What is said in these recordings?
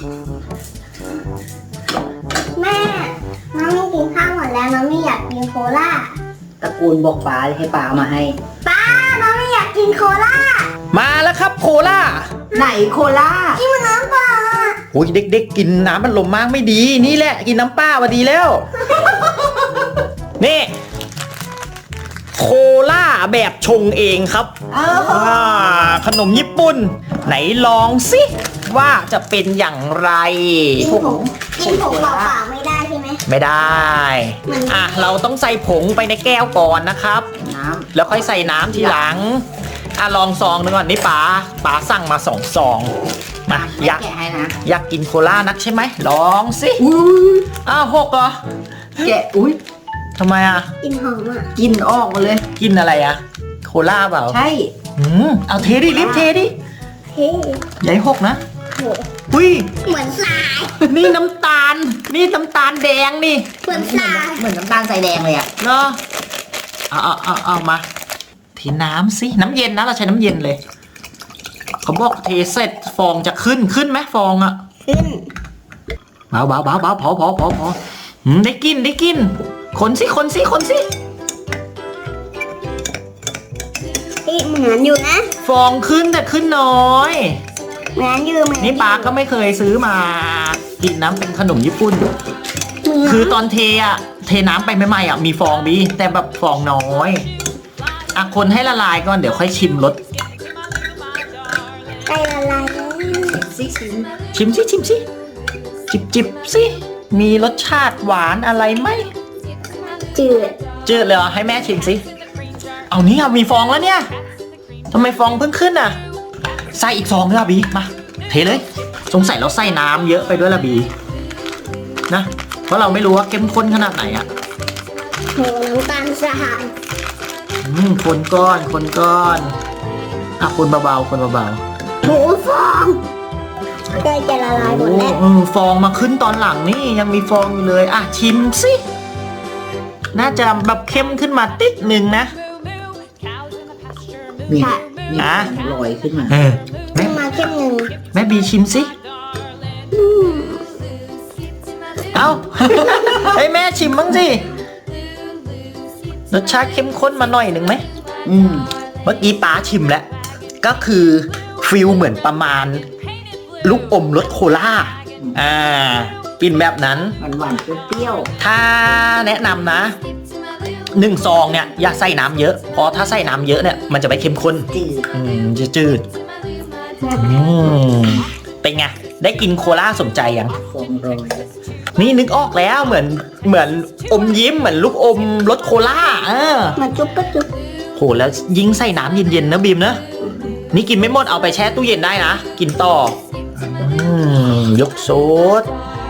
แม่น้องไม่กินข้าวหมดแล้วน้องไม่อยากกินโคลาตระกูลบอกป้าให้ป้าเอามาให้ป้าน้องไม่อยากกินโคลามาแล้วครับโคล่าไหนโคล่ากินมันน้ำเปล่าโอ้ยเด็กๆกินน้ำมันลมมากไม่ดีนี่แหละกินน้ำป้ามาดีแล้ว นี่โคล่าแบบชงเองครับขนมญี่ปุ่นไหนลองสิว่าจะเป็นอย่างไรกินผงเปล่าๆไม่ได้ใช่ไหมไม่ได้เราต้องใส่ผงไปในแก้วก่อนนะครับแล้วค่อยใส่น้ำทีหลังลองซองหนึ่งก่อนนี่ป๋าสั่งมา2 ซองมาอยากกินโคล่านักใช่ไหมลองสิ6เหรอแกะทำไมกินหอมกินออกมาเลยกินอะไรโคล่าเปล่าใช่เอาเทดิรีบเทดิใหญ่6นะอุ้ยเหมือนทรายนี่น้ำตาลแดงนี่เหมือนทรายเหมือนน้ำตาลทรายแดงเลยเนาะเอามาเทน้ำสิน้ำเย็นนะเราใช้น้ำเย็นเลยเขาบอกเทเสร็จฟองจะขึ้นไหมฟองขึ้นเบาพอได้กินคนสิเหมือนอยู่นะฟองขึ้นแต่ขึ้นน้อยเหมือนนี่ป้าก็ไม่เคยซื้อมากินน้ำเป็นขนมญี่ปุ่นคือตอนเทน้ำไปใหม่ๆมีฟองดีแต่แบบฟองน้อยคนให้ละลายก่อนเดี๋ยวค่อยชิมรสใกล้ละลายแล้วชิมสิจิบสิมีรสชาติหวานอะไรไหมจืดเลยให้แม่ชิมสิเอานี่มีฟองแล้วเนี่ยทำไมฟองเพิ่งขึ้นใส่อีกฟองเลยบีมาเทเลยสงสัยเราใส่น้ำเยอะไปด้วยละบีนะเพราะเราไม่รู้ว่าเข้มข้นขนาดไหนโหน้ำตาลทรายคนก้อนคนเบาโหฟองใกล้จะละลายหมดแล้วฟองมาขึ้นตอนหลังนี่ยังมีฟองอยู่เลยชิมสิน่าจะแบบเข้มขึ้นมาติดหนึ่งนะนี่ลอยขึ้นมาเข้มหนึ่งแม่บีชิมสิเอาให้แม่ชิมบ้างสิรสชาติเข้มข้นมาหน่อยหนึ่งไหมเมื่อกี้ป้าชิมแล้วก็คือฟิลเหมือนประมาณลูกอมรสโคล่ากินแบบนั้นหวานเปรี้ยวถ้าแนะนำนะ1 ซองเนี่ยอย่าใส่น้ำเยอะเพราะถ้าใส่น้ำเยอะเนี่ยมันจะไม่เข้มข้นจะจืดเป็นไงได้กินโคล่าสมใจยังนี่นึกออกแล้วเหมือนอมยิ้มเหมือนลูกอมรสโคล่ามาจุ๊บก็จุ๊บโหแล้วยิ่งใส่น้ำเย็นๆนะบีมนะนี่กินไม่หมดเอาไปแช่ตู้เย็นได้นะกินต่อยกโซด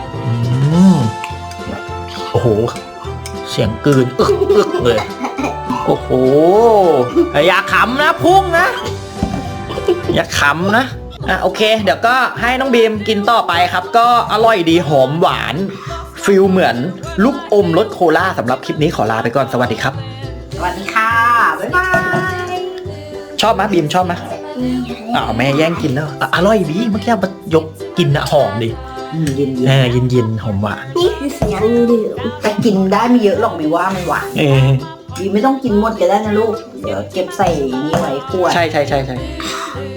โอ้โหเสียงกลืนอึกเลยโอ้โหอย่าขำนะพุ่งนะอย่าขำนะโอเคเดี๋ยวก็ให้น้องบีมกินต่อไปครับก็อร่อยดีหอมหวานฟิลเหมือนลูกอมรสโคล่าสำหรับคลิปนี้ขอลาไปก่อนสวัสดีครับสวัสดีค่ะบ๊ายบายชอบไหมบีมชอบไหมแม่แย่งกินแล้วอร่อยบีเมื่อกี้ยกกินหอมดิเย็นหอมหวานนี่คือเสียงดื่มแต่กินได้ไม่เยอะหรอกไม่ว่ามันหวานบีไม่ต้องกินหมดก็ได้นะลูกเดี๋ยวเก็บใส่นี่ไว้ขวดใช่